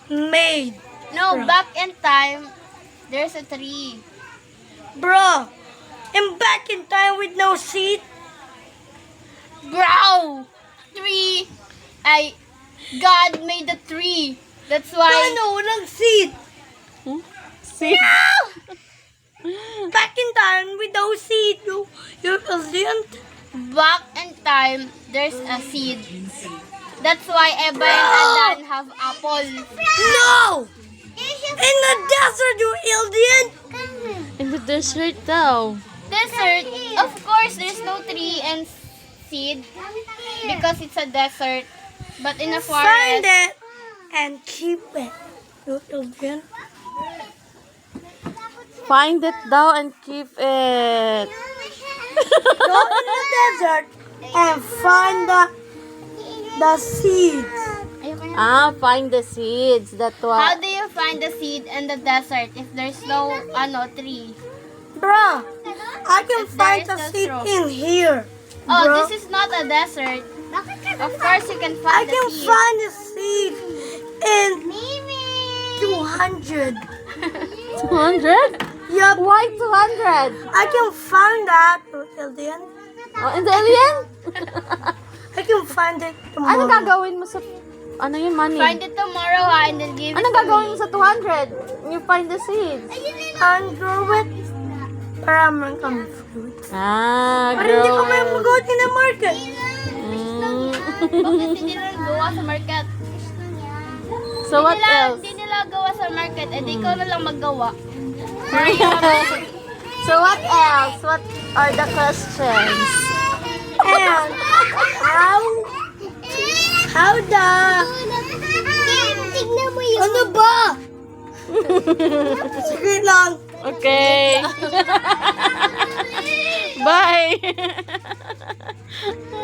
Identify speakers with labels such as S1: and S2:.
S1: made?
S2: No,
S1: Bro.
S2: back in time, there's a tree.
S1: Bro, I'm back in time with no seed.
S2: Bro! Tree! God made the tree. That's why...
S1: Paano? Walang seed.
S3: See?
S1: Back in time with no seed. You're brilliant.
S2: Back in time, there's a seed. That's why Eva and Adan have apple.
S1: No! In the desert, you alien!
S3: In the desert daw.
S2: Desert, of course, there's no tree and seed because it's a desert. But in a
S1: Find
S2: forest,
S1: it and keep it. You alien.
S3: Find it daw and keep it.
S1: Go in the desert and find the seeds.
S3: Find the seeds. That's
S2: how
S3: what.
S2: do you find the seed in the desert if there's no tree?
S1: Bro, I can
S2: If
S1: find
S2: there
S1: the
S2: is no
S1: seed
S2: straw.
S1: in here.
S2: Oh,
S1: Bro.
S2: this is not a desert. Of course, you can
S1: I
S2: find the
S1: can
S2: seed.
S1: find the seed in 200.
S3: 200?
S1: Yup,
S3: Why 200?
S1: I can find that, alien.
S3: Oh, in the alien?
S1: I can find it tomorrow.
S3: Ano gagawin mo sa... Ano yun, money?
S2: Find it tomorrow, ha, and then give
S3: Ano
S2: it to
S3: gagawin mo
S2: me.
S3: sa 200? You find the seeds.
S1: And grow it para man fruit. Pero hindi ko may
S3: Grow.
S1: mag-out in the market.
S2: Bakit hindi nila gawa sa market?
S3: So what else?
S2: Hindi nila gawa sa market, edi ikaw na lang maggawa.
S3: So what else? What are the questions?
S1: And how the...
S2: Tignan mo yun.
S1: Ano ba? Sige lang.
S3: Okay. Bye.